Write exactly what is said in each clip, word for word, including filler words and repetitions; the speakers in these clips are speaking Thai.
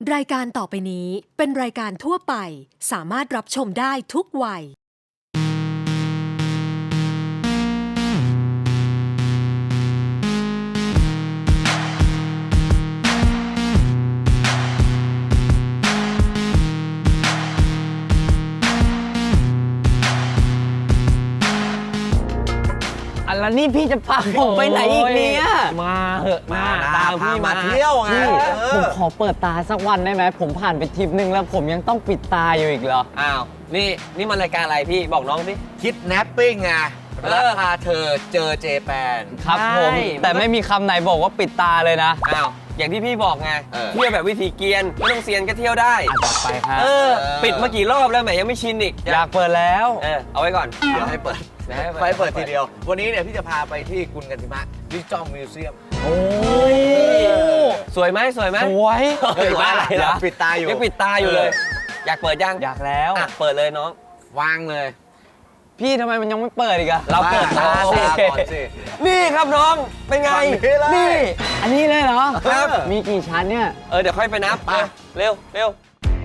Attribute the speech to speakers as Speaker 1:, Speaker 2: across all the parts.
Speaker 1: รายการต่อไปนี้เป็นรายการทั่วไปสามารถรับชมได้ทุกวัย
Speaker 2: อันแล้วนี่พี่จะพาผมไปไหนอีกเนี่ยมาเหอะมาตามพี่มาเที่ยวไงผมขอเปิดตาสักวันได้ไหมผมผ่านไปทริปนึงแล้วผมยังต้องปิดตาอยู่อีกเหรออ้าวนี่นี่มันรายการอะไรพี่บอกน้องสิ
Speaker 3: คิดแนปปิ้งไงรักพาเธอเจอเจแปน
Speaker 2: ครับผมแต่ไม่มีคำไหนบอกว่าปิดตาเลยนะ
Speaker 4: อ้าวอย่างที่พี่บอกไงเที่ยวแบบวิธีเกียนไม่ต้องเซียนก็เที่ยวได้
Speaker 2: ต่อไปครับ
Speaker 4: เออปิดมากี่รอบแล้วแหมยังไม่ชินอีก
Speaker 2: อยากเปิดแล้ว
Speaker 4: เออเอาไว้ก่อน
Speaker 3: เดี๋ยวให้เปิดไปเปิดทีเดียววันนี้เนี่ยพี่จะพาไปที่กุนกันทิมะดิจิตอลมิวเซียม
Speaker 2: โอ้
Speaker 4: สวยไหมสวยไหม
Speaker 2: สวย
Speaker 4: เฮ้ยว่าอะไรล่ะ
Speaker 3: ปิดตาอยู่
Speaker 4: ยังปิดตาอยู่เลยอยากเปิดยัง
Speaker 2: อยากแล้ว
Speaker 4: เปิดเลยน้อง
Speaker 3: วางเลย
Speaker 2: พี่ทำไมมันยังไม่เปิดอีกอะ
Speaker 4: เราเปิดตาสินี่ครับน้องเป็นไง
Speaker 2: นี่อันนี้เลยเหรอครับมีกี่ชั้นเนี่ย
Speaker 4: เออเดี๋ยวค่อยไปนับเร็วเร็ว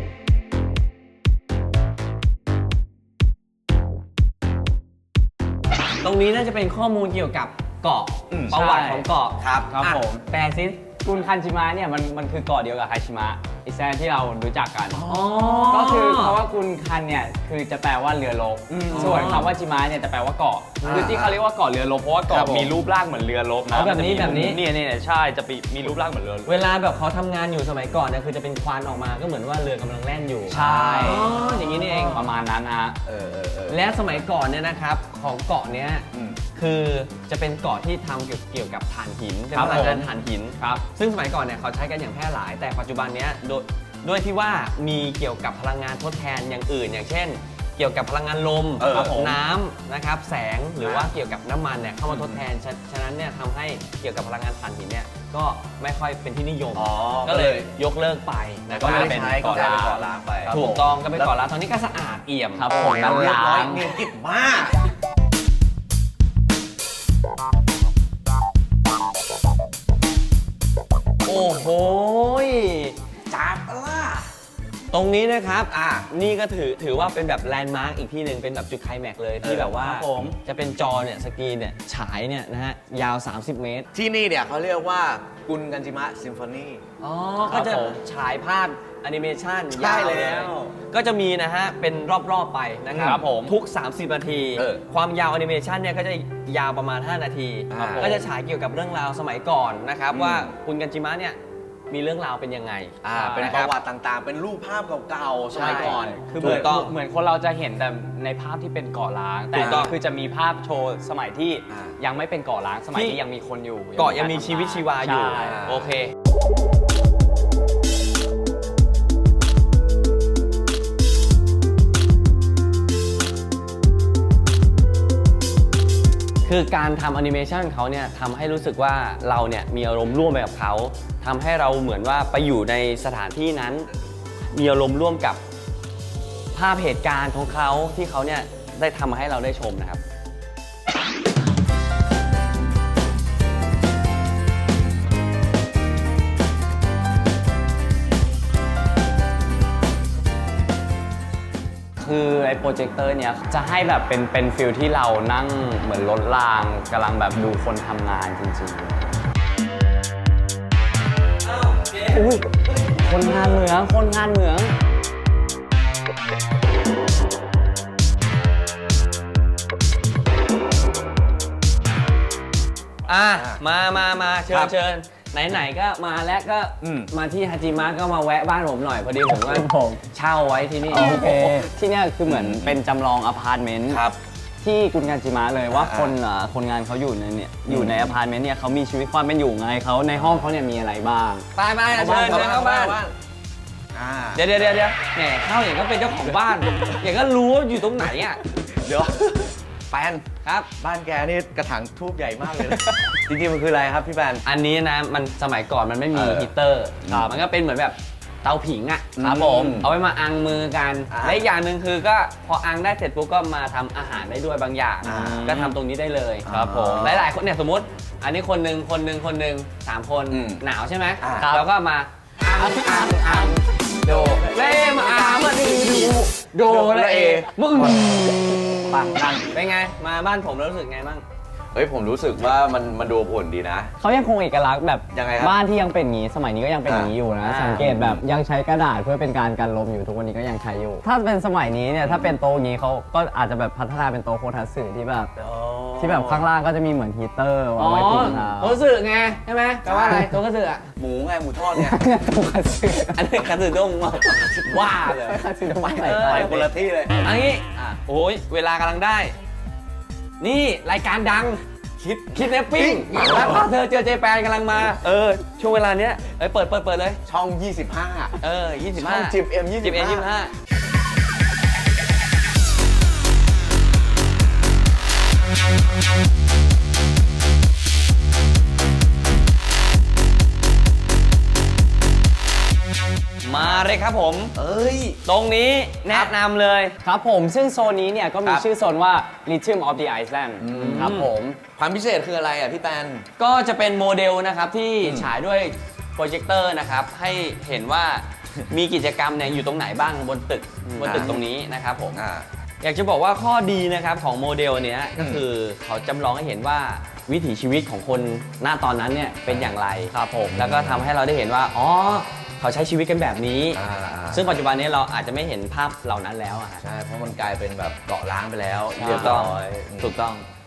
Speaker 4: ตรงนี้น่าจะเป็นข้อมูลเกี่ยวกับเกาะประวัติของเกาะ
Speaker 3: ครับ
Speaker 2: ครับผมแปลซิกุนคันชิมะเนี่ยมันมันคือเกาะเดียวกับไฮชิมะอิแซนที่เรารู้จักกันก็คือคำว่ากุนคันเนี่ยคือจะแปลว่าเรือรบส่วนคำว่าชิมะเนี่ยจะแปลว่าเกาะคือที่เขาเรียกว่าเกาะเรือรบเพราะว่าเกาะมีรูปร่างเหมือนเรือรบนะ
Speaker 4: แบบนี้แบบนี้
Speaker 2: เนี่ยเนี่ยใช่จะมีรูปร่างเหมือนเรือ
Speaker 4: เวลาแบบเขาทำงานอยู่สมัยก่อนเนี่ยคือจะเป็นควันออกมาก็เหมือนว่าเรือกำลังแล่นอยู่
Speaker 2: ใช่
Speaker 4: อย่างนี้นี่เอง
Speaker 2: ประมาณนั้นฮะ
Speaker 4: และสมัยก่อนเนี่ยนะครับของเกาะเนี้ยคือจะเป็นเกาะที่ทำเกี่ยวกับถ่านหินเป็นพลังงานถ่านหินครับซึ่งสมัยก่อนเนี่ยเขาใช้กันอย่างแพร่หลายแต่ปัจจุบันเนี้ยโดยด้วยที่ว่ามีเกี่ยวกับพลังงานทดแทนอย่างอื่นอย่างเช่นเกี่ยวกับพลังงานลมน้ำนะครับแสงหรือว่าเกี่ยวกับน้ำมันเนี่ยเข้ามาทดแทนฉะนั้นเนี่ยทำให้เกี่ยวกับพลังงานถ่านหินเนี่ยก็ไม่ค่อยเป็นที่นิยมก็เลยยกเลิกไป
Speaker 3: นะก็ไม่ใช้ก็เป็นเกาะล้างไป
Speaker 4: ถูกต้องก็เป็นเกาะล้างตอนนี้ก็สะอาดเอี่ยม
Speaker 2: ครับผมน้ำล้าง
Speaker 3: เนียนกิบมาก
Speaker 4: โอ้โหจับล่ะตรงนี้นะครับอ่านี่ก็ถือถือว่าเป็นแบบแลนด์มาร์กอีกที่หนึ่งเป็นแบบจุดไคลแม็กซ์เลยที่แบบว่าจะเป็นจอเนี่ยสกรีนเนี่ยฉายเนี่ยนะฮะยาวสามสิบเมตร
Speaker 3: ที่นี่เนี่ยเขาเรียกว่ากุนกันจิมะซิมโฟนี
Speaker 4: อ๋อก็จะฉายภาพแอนิเมชันยาวแล้วก็จะมีนะฮะเป็นรอบๆไปนะครับผมทุกสามสิบนาทีความยาวแอนิเมชันเนี่ยก็จะยาวประมาณห้านาทีก็จะฉายเกี่ยวกับเรื่องราวสมัยก่อนนะครับว่ากุนกันจิมะเนี่ยมีเรื่องราวเป็นยังไง
Speaker 3: อ่าเป็นประวัติต่างๆเป็นรูปภาพเก่าๆสมัยก่อน
Speaker 2: คือเหมือนเหมือนคนเราจะเห็นแต่ในภาพที่เป็นเกาะล้างแต่ก็คือจะมีภาพโชว์สมัยที่ยังไม่เป็นเกาะล้างสมัยที่ยังมีคนอยู่
Speaker 4: เกาะยังมีชีวิตชีวาอยู่โอเคคือการทำแอนิเมชันเขาเนี่ยทำให้รู้สึกว่าเราเนี่ยมีอารมณ์ร่วมไปกับเขาทำให้เราเหมือนว่าไปอยู่ในสถานที่นั้นมีอารมณ์ร่วมกับภาพเหตุการณ์ของเขาที่เขาเนี่ยได้ทำมาให้เราได้ชมนะครับ
Speaker 2: คือไอ้โปรเจคเตอร์เนี้ยจะให้แบบเป็นเป็นฟิลที่เรานั่งเหมือนรถรางกำลังแบบดูคนทำงานจริงๆอุ้ยคนงานเหมืองคนงานเหมือง
Speaker 4: อ่ะมามามาเชิญเชิญไหนๆก็มาแล้วก็มาที่ฮาจิมะก็มาแวะบ้านผมหน่อยพอดีผมก็เช่าไว้ที่นี่
Speaker 2: โอเคที่นี่คือเหมือนเป็นจำลองอพาร์ตเมนต์ที่กุนกันจิมะเลยว่าคนคนงานเขาอยู่ในเนี่ยอยู่ในอพาร์ตเมนต์เนี่ยเขามีชีวิตความเป็นอยู่ไงเขาในห้องเขาเนี่ยมีอะไรบ้าง
Speaker 4: ไปไปเชิญเชิญเข้าบ้านเดี๋ยวเดี๋ยวเดี๋ยวแหมเข้าอย่างก็เป็นเจ้าของบ้านอย่างก็รู้ว่าอยู่ตรงไหนอ่ะ
Speaker 3: เดี๋ยวแปน
Speaker 4: ครับ
Speaker 3: บ้านแกนี่กระถางทูบใหญ่มากเลยจริงๆมันคืออะไรครับพี่แปน
Speaker 4: อันนี้นะมันสมัยก่อนมันไม่มีฮีเตอร์มันก็เป็นเหมือนแบบเตาผิงอ่ะ
Speaker 3: ครับผม
Speaker 4: เอาไว้มาอังมือกันและอีกอย่างหนึ่งคือก็พออังได้เสร็จปุ๊บก็มาทำอาหารได้ด้วยบางอย่างก็ทำตรงนี้ได้เลย
Speaker 3: ครับผม
Speaker 4: หลายๆคนเนี่ยสมมติอันนี้คนหนึ่งคนหนึ่งคนหนึ่งสามคนหนาวใช่ไหมแล้วก็มาอังอังอังโดและเอมึง
Speaker 2: ปังนั่น
Speaker 4: เป็นไงมาบ้านผมแล้วรู้สึกไงบ้าง
Speaker 3: เฮ้ยผมรู้สึกว่ามันมันดูอบอุ่นดีนะ
Speaker 2: เขายังคงเอกลักษณ์แบบ
Speaker 3: ยังไงครับ
Speaker 2: บ้านที่ยังเป็นอย่างนี้สมัยนี้ก็ยังเป็นอย่างนี้อยู่นะ
Speaker 4: อ่า
Speaker 2: สังเกตแบบยังใช้กระดาษเพื่อเป็นการกันลมอยู่ทุกวันนี้ก็ยังใช้อยู่ ถ้าเป็นสมัยนี้เนี่ยถ้าเป็นโต๊ะอย่างนี้เขาก็อาจจะแบบพัฒนาเป็นโต๊ะโคทัสึที่แบบที่แบบข้างล่างก็จะมีเหมือนฮีเตอร์
Speaker 4: อ๋อ
Speaker 2: ไว้กินข้าว
Speaker 4: โตัวสื่อไงใช่ไหมแปลว่าอะไรตัวกระสืออ่ะ
Speaker 3: หมูไงหมูทอดเนี่ย
Speaker 2: โต๊ะคัตสึ
Speaker 4: อันนี้กระสือด้งมาว่าเลย
Speaker 2: คัตสึทำไมไหน
Speaker 4: เออ
Speaker 3: ไปคนละที่เลย
Speaker 4: อันนี้
Speaker 3: อ่ะ
Speaker 4: โอ้ยเวลากำลังได้ นี่รายการดังคิดคิดเนปปิ้งแล้วก็เธอเจอเจแปนกำลังมา เออ ช่วงเวลาเนี้ยเอ้ยเปิดเปิดเปิดเลย
Speaker 3: ช่อง ยี่สิบห้า
Speaker 4: เออยี่สิบห้า
Speaker 3: ช่องจิบ เอ็ม ยี่สิบห้า
Speaker 4: จิบเอ็มยี่สิบห้ามาเลยครับผม
Speaker 3: เอ้ย
Speaker 4: ตรงนี้แนะนำเลย
Speaker 2: ครับผมซึ่งโซนนี้เนี่ยก็มี
Speaker 3: ครับ
Speaker 2: ชื่อโซนว่า Rhythm of the Iceland ครับผม
Speaker 3: ความพิเศษคืออะไรอ่ะพี่แปน
Speaker 4: ก็จะเป็นโมเดลนะครับที่ฉายด้วยโปรเจคเตอร์นะครับให้เห็นว่ามีกิจกรรมเนี่ยอยู่ตรงไหนบ้างบนตึกบนตึกตรงนี้นะครับผม
Speaker 3: อ่า
Speaker 4: อยากจะบอกว่าข้อดีนะครับของโมเดลเนี้ยก็คือเขาจำลองให้เห็นว่าวิถีชีวิตของคนหน้าตอนนั้นเนี่ยเป็นอย่างไรครับผมแล้วก็ทำให้เราได้เห็นว่าอ๋อเขาใช้ชีวิตกันแบบนี้
Speaker 3: อ่า
Speaker 4: ซึ่งปัจจุบันนี้เราอาจจะไม่เห็นภาพเหล่านั้นแล้วอะฮะ
Speaker 3: ใช่ เพราะมันกลายเป็นแบบเกาะล้างไปแล้ว
Speaker 2: ใช่
Speaker 3: เรีย
Speaker 4: ถู
Speaker 3: บ
Speaker 4: กต้อง
Speaker 3: ร้อย
Speaker 4: ถูกต้อง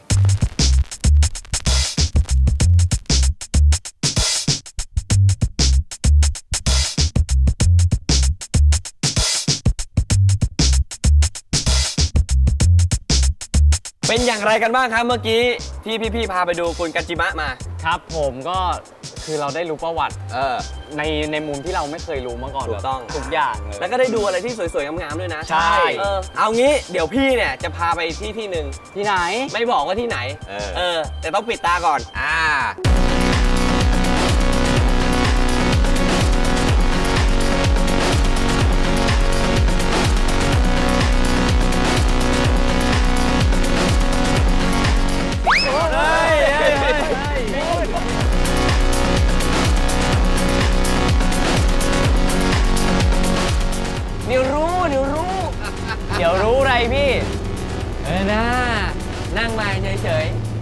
Speaker 4: เป็นอย่างไรกันบ้างครับเมื่อกี้ที่พี่ๆพาไปดูคุณกัจจิมะมา
Speaker 2: ครับผมก็คือเราได้รู้ประวัติ
Speaker 3: เออ
Speaker 2: ในในมุมที่เราไม่เคยรู้มาก่อน
Speaker 4: ถูกต้อง
Speaker 2: ทุกอย่างเลย
Speaker 4: แล้วก็ได้ดูอะไรที่สวยๆ งามๆ ด้วยนะ
Speaker 2: ใช่
Speaker 4: เออเอางี้เดี๋ยวพี่เนี่ยจะพาไปที่ที่หนึ่ง
Speaker 2: ที่ไหน
Speaker 4: ไม่บอกว่าที่ไหน
Speaker 3: เออ
Speaker 4: เออ แต่ต้องปิดตาก่อน
Speaker 3: อ่า
Speaker 4: เดี๋ยวรู้ เดี๋ยวรู้
Speaker 2: เดี๋ยวรู้อะไรพี่
Speaker 4: เออนะนั่งมาเฉยๆ